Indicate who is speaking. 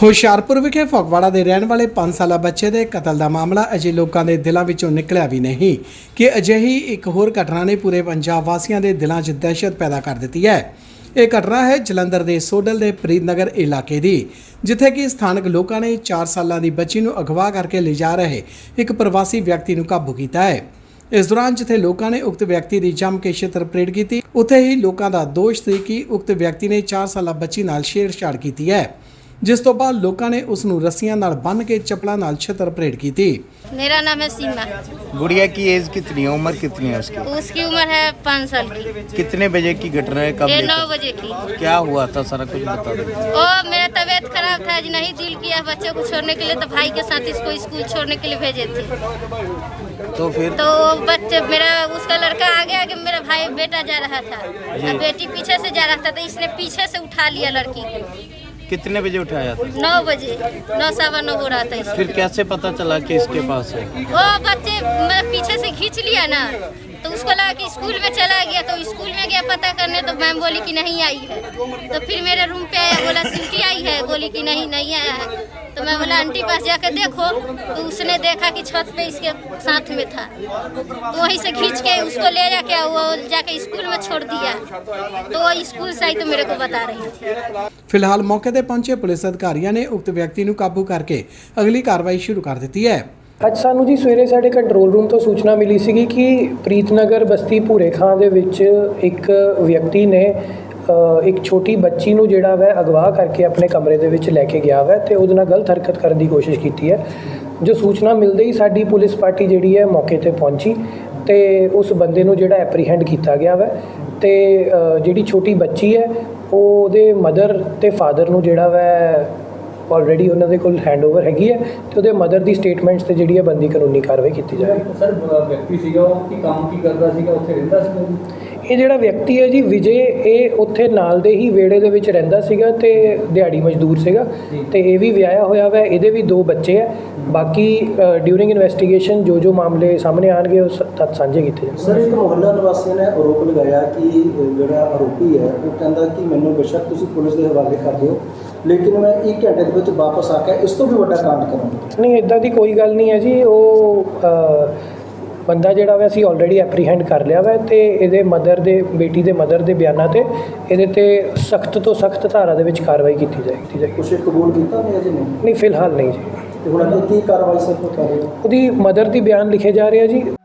Speaker 1: ਹੁਸ਼ਿਆਰਪੁਰ ਵਿਖੇ ਫਗਵਾੜਾ ਦੇ ਰਹਿਣ ਵਾਲੇ 5 ਸਾਲਾ ਬੱਚੇ ਦੇ ਕਤਲ ਦਾ ਮਾਮਲਾ ਅਜੇ ਲੋਕਾਂ ਦੇ ਦਿਲਾਂ ਵਿੱਚੋਂ ਨਿਕਲਿਆ ਵੀ ਨਹੀਂ ਕਿ ਅਜਿਹੀ ਇੱਕ ਹੋਰ ਘਟਨਾ ਨੇ ਪੂਰੇ ਪੰਜਾਬ ਵਾਸੀਆਂ ਦੇ ਦਿਲਾਂ 'ਚ ਦਹਿਸ਼ਤ ਪੈਦਾ ਕਰ ਦਿੱਤੀ ਹੈ। ਇਹ ਘਟਨਾ ਹੈ ਜਲੰਧਰ ਦੇ ਸੋਡਲ ਦੇ ਪ੍ਰੀਤਨਗਰ ਇਲਾਕੇ ਦੀ, ਜਿੱਥੇ ਕਿ ਸਥਾਨਕ ਲੋਕਾਂ ਨੇ 4 ਸਾਲਾਂ ਦੀ ਬੱਚੀ ਨੂੰ ਅਗਵਾ ਕਰਕੇ ਲਿਜਾ ਰਹੇ ਇੱਕ ਪ੍ਰਵਾਸੀ ਵਿਅਕਤੀ ਨੂੰ ਕਾਬੂ ਕੀਤਾ ਹੈ। इस दौरान जिथे लोगों ने उक्त व्यक्ति की जम के छित्र परेड की, उत्थे ही लोगों का दोष सी कि उक्त व्यक्ति ने 4 साला बच्ची नाल छेड़छाड़ की है, जिस तो बाद लोगों ने उसनू रस्सियां नाल बन के चप्पलों नाल छित्र परेड की।
Speaker 2: मेरा नाम है सीमा।
Speaker 3: गुड़िया की एज कितनी है, उम्र कितनी है उसकी?
Speaker 2: उसकी उम्र है 5 साल की।
Speaker 3: कितने बजे की घटना है, कब?
Speaker 2: 9 बजे की।
Speaker 3: क्या हुआ था, सारा कुछ बता दो।
Speaker 2: ओ मेरा तबीयत खराब था, आज नहीं दिल किया बच्चे को छोड़ने के लिए, तो भाई के साथ इसको स्कूल छोड़ने के लिए भेजे थे।
Speaker 3: तो फिर
Speaker 2: तो बच्चे मेरा उसका लड़का आगे आगे मेरा भाई बेटा जा रहा था और बेटी पीछे से जा रहा था, तो इसने पीछे से उठा लिया लड़की को।
Speaker 3: कितने बजे उठाया था?
Speaker 2: 9 बजे, 9 सवा 9 हो रहा था इसको।
Speaker 3: फिर कैसे पता चला कि इसके पास है?
Speaker 2: वो बच्चे पीछे से खींच लिया ना, तो उसको लगा कि स्कूल में चला गया, तो स्कूल में गया पता करने, तो मैम बोली कि नहीं आई है। तो फिर मेरे रूम पे आया, बोला सिटी आई है, बोली कि नहीं आया है। तो मैं बोला आंटी पास जाकर देखो, तो उसने देखा कि छत पे इसके साथ में था, तो वहीं से खींच के उसको ले जाके वो जाके स्कूल में छोड़ दिया। तो वो स्कूल से आई तो मेरे को बता रही थी।
Speaker 1: फिलहाल मौके पर पहुंचे पुलिस अधिकारियों ने उक्त व्यक्ति को काबू करके अगली कार्रवाई शुरू कर दी है।
Speaker 4: ਅੱਜ ਸਾਨੂੰ ਜੀ ਸਵੇਰੇ ਸਾਡੇ ਕੰਟਰੋਲ ਰੂਮ ਤੋਂ ਸੂਚਨਾ ਮਿਲੀ ਸੀਗੀ ਕਿ ਪ੍ਰੀਤਨਗਰ ਬਸਤੀ ਭੂਰੇ ਖਾਂ ਦੇ ਵਿੱਚ ਇੱਕ ਵਿਅਕਤੀ ਨੇ ਇੱਕ ਛੋਟੀ ਬੱਚੀ ਨੂੰ ਜਿਹੜਾ ਵੈ ਅਗਵਾ ਕਰਕੇ ਆਪਣੇ ਕਮਰੇ ਦੇ ਵਿੱਚ ਲੈ ਕੇ ਗਿਆ ਵੈ ਤੇ ਉਹਦੇ ਨਾਲ ਗਲਤ ਹਰਕਤ ਕਰਨ ਦੀ ਕੋਸ਼ਿਸ਼ ਕੀਤੀ ਹੈ। ਜੋ ਸੂਚਨਾ ਮਿਲਦੇ ਹੀ ਸਾਡੀ ਪੁਲਿਸ ਪਾਰਟੀ ਜਿਹੜੀ ਹੈ ਮੌਕੇ ਤੇ ਪਹੁੰਚੀ ਤੇ ਉਸ ਬੰਦੇ ਨੂੰ ਜਿਹੜਾ ਐਪਰੀਹੈਂਡ ਕੀਤਾ ਗਿਆ ਵੈ ਤੇ ਜਿਹੜੀ ਛੋਟੀ ਬੱਚੀ ਹੈ ਉਹਦੇ ਮਦਰ ਤੇ ਫਾਦਰ ਨੂੰ ਜਿਹੜਾ ਵੈ ਆਲਰੇਡੀ ਉਹਨਾਂ ਦੇ ਕੋਲ ਹੈਂਡਓਵਰ ਹੈਗੀ ਹੈ ਤੇ ਉਹਦੇ ਮਦਰ ਦੀ ਸਟੇਟਮੈਂਟਸ ਤੇ ਜਿਹੜੀ ਹੈ ਬੰਦੀ ਕਾਨੂੰਨੀ ਕਾਰਵਾਈ ਕੀਤੀ ਜਾਵੇਗੀ।
Speaker 5: ਸਰ ਵਿਅਕਤੀ ਸੀਗਾ ਉਹ ਕੀ ਕੰਮ ਕੀ ਕਰਦਾ ਸੀਗਾ, ਉੱਥੇ ਰਹਿੰਦਾ ਸੀਗਾ ਜੀ?
Speaker 4: ਇਹ ਜਿਹੜਾ ਵਿਅਕਤੀ ਹੈ ਜੀ ਵਿਜੇ, ਇਹ ਉੱਥੇ ਨਾਲ ਦੇ ਹੀ ਵਿਹੜੇ ਦੇ ਵਿੱਚ ਰਹਿੰਦਾ ਸੀਗਾ ਤੇ ਦਿਹਾੜੀ ਮਜ਼ਦੂਰ ਸੀਗਾ ਤੇ ਇਹ ਵੀ ਵਿਆਹਿਆ ਹੋਇਆ ਵਾ, ਇਹਦੇ ਵੀ 2 ਬੱਚੇ ਹੈ। ਬਾਕੀ ਡਿਊਰਿੰਗ ਇਨਵੈਸਟੀਗੇਸ਼ਨ ਜੋ ਮਾਮਲੇ ਸਾਹਮਣੇ ਆਣਗੇ ਉਹ ਤੱਥ ਸਾਂਝੇ ਕੀਤੇ ਜਾਣਗੇ।
Speaker 6: ਸਰ ਇੱਕ ਮੁਹੱਲਾ ਨਿਵਾਸੀਆਂ ਨੇ ਆਰੋਪ ਲਗਾਇਆ ਕਿ ਜਿਹੜਾ ਆਰੋਪੀ ਹੈ ਉਹ ਕਹਿੰਦਾ ਕਿ ਮੈਨੂੰ ਬੇਸ਼ੱਕ ਤੁਸੀਂ ਪੁਲਿਸ ਦੇ ਹਵਾਲੇ ਕਰ ਦਿਓ, ਲੇਕਿਨ ਮੈਂ 1 ਘੰਟੇ ਦੇ ਵਿੱਚ ਵਾਪਸ ਆ ਕੇ ਇਸ ਤੋਂ ਵੀ ਵੱਡਾ ਕਾਂਡ ਕਰਾਂਗਾ।
Speaker 4: ਨਹੀਂ, ਇੱਦਾਂ ਦੀ ਕੋਈ ਗੱਲ ਨਹੀਂ ਹੈ ਜੀ। ਉਹ ਬੰਦਾ ਜਿਹੜਾ ਵਾ ਅਸੀਂ ਆਲਰੇਡੀ ਐਪਰੀਹੈਂਡ ਕਰ ਲਿਆ ਵਾ ਤੇ ਇਹਦੇ ਮਦਰ ਦੇ ਬੇਟੀ ਦੇ ਮਦਰ ਦੇ ਬਿਆਨਾਂ ਤੇ ਇਹਦੇ ਤੇ ਸਖਤ ਤੋਂ ਸਖਤ ਧਾਰਾ ਦੇ ਵਿੱਚ ਕਾਰਵਾਈ ਕੀਤੀ ਜਾਏਗੀ।
Speaker 6: ਕੁਛ ਕਬੂਲ ਕੀਤਾ ਨਹੀਂ ਅਜੇ?
Speaker 4: ਨਹੀਂ, ਫਿਲਹਾਲ ਨਹੀਂ ਜੀ।
Speaker 6: ਤੇ ਹੁਣ ਅੱਗੇ ਕੀ ਕਾਰਵਾਈ ਸਰ ਕਰ ਰਹੇ ਹੋ?
Speaker 4: ਉਹਦੀ ਮਦਰ ਦੀ ਬਿਆਨ ਲਿਖੇ ਜਾ ਰਹੇ ਆ ਜੀ।